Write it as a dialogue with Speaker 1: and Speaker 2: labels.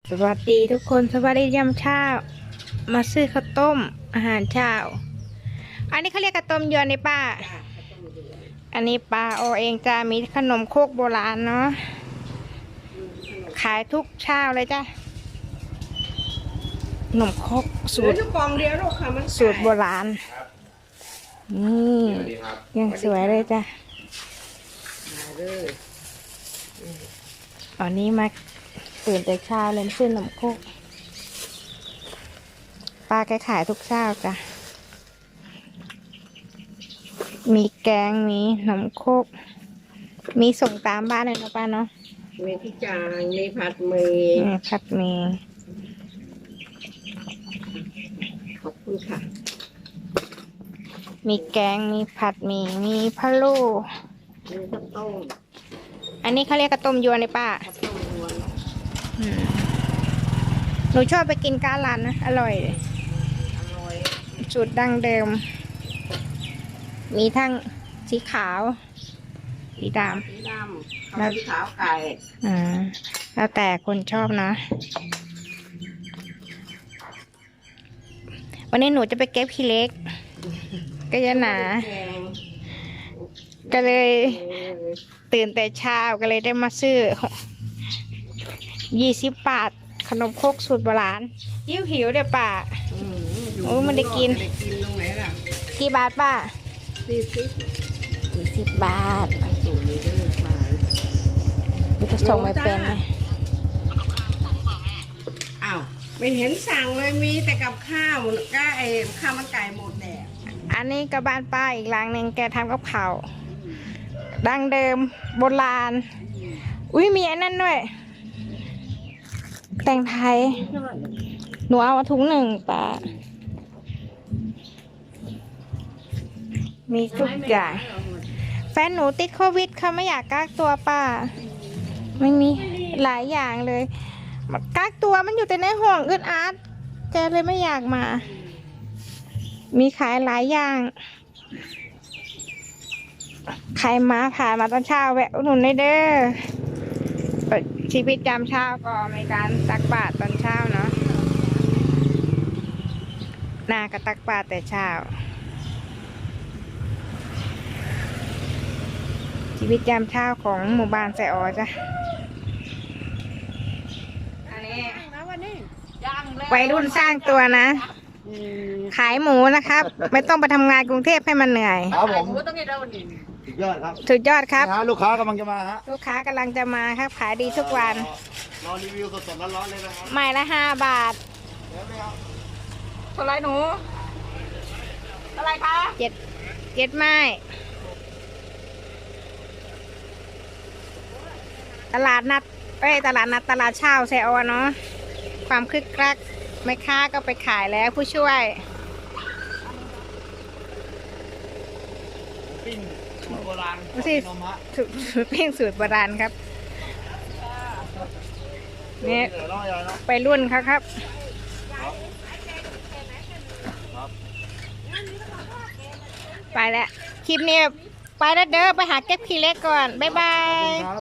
Speaker 1: สวัสดีทุกคนสวัสดียามเช้ามาซื้อข้าวต้มอาหารเช้าอันนี้เขาเรียกข้าวต้มยวนนี่ป้าอันนี้ป้าโอเองจะมีขนมโคกโบราณเนาะขายทุกเช้าเลยจ้ะขนมโคกสูตร
Speaker 2: กองเดียวลูกค่ะมัน
Speaker 1: สูตรโบราณนี่ยังสวยเลยจ้ะตอนนี้มาตื่นแต่เช้าเลยซื้อขนมโคกป้าแกขายทุกเช้าจ้ะมีแกงมีขนมโคกมีส่งตามบ้านเลยนะป้าเนาะ
Speaker 2: มีที่จางมีผัดหมี่
Speaker 1: ผัดหมี่
Speaker 2: ขอบคุณค่ะ
Speaker 1: มีแกงมีผัดหมี่มีพะโล้
Speaker 2: มีข้าวต้ม
Speaker 1: อันนี้เขาเรียกข้าวต้มยวนเลยป้า
Speaker 2: ข้าวต้มยวน
Speaker 1: หนูชอบไปกินก้าร้านนะอร่อยเลยสูตรดั้งเดิมมีทั้งสีขาวสีด
Speaker 2: ำแล้วสีขาวไก่
Speaker 1: แล้วแต่คนชอบนะวันนี้หนูจะไปเก็บขี้เล็กก็จะหนาก็เลยตื่นแต่เช้าก็เลยได้มาซื้อ20 บาทขนมครกสูตรโบราณหิวเดี๋ยวป้าโอ้มันได้กิน
Speaker 2: ตรงไหนล่ะ
Speaker 1: กี่บาทป้า40 บาทจะส่งไม่เป็นไหม
Speaker 2: อ้าวไม่เห็นสั่งเลยมีแต่กับข้าวก็ข้าวมันไก่หมดแดด
Speaker 1: อันนี้ก็บ้านป้าอีกหลังหนึ่งแกทำกับข้าวดั้งเดิมโบราณอุ้ยมีอันนั้นด้วยแต่งไทยหนูเอาถุง1ป้ามีทุกอย่างแฟนหนูติดโควิดเขาไม่อยากกักตัวป้าไม่มีหลายอย่างเลยกักตัวมันอยู่แต่ในห้องอึดอัดแกเลยไม่อยากมามีขายหลายอย่างใครมาผ่านมาตอนเช้าแวะอุดหนุนได้เด้อชีวิตยามเช้าก็มีการตักบาตรตอนเช้าเนาะนาก็ตักบาตรแต่เช้าชีวิตยามเช้าของหมู่บ้านไซออจ้ะอันนี้วัยรุ่นสร้างตัวนะขายหมูนะครับไม่ต้องไปทำงานกรุงเทพให้มันเหนื่อย
Speaker 3: ครับผมสุดยอดครับ
Speaker 1: สุดยอดครับ
Speaker 3: ลูกค้ากำลังจะมาฮะ
Speaker 1: ลูกค้ากำลังจะมาครับขายดีทุกวัน
Speaker 3: รอรีวิวสดๆร้อนๆเลยนะครับ
Speaker 1: ไม้ละ5 บาทเท่าไรหนูเท่าไรคะ7ไม้ตลาดนัดตลาดเช้าไซออเนาะความคึกคักแม่ค้าก็ไปขายแล้วผู้ช่วย
Speaker 3: ปิ้งสูตรโบราณ
Speaker 1: ปิ้งสูตรโบราณครับเนี่ยไปรุ่นเขาครับไปแล้วคลิปนี้ไปแล้วเด้อไปหาเก็บขี้เล็กก่อนบ๊ายบาย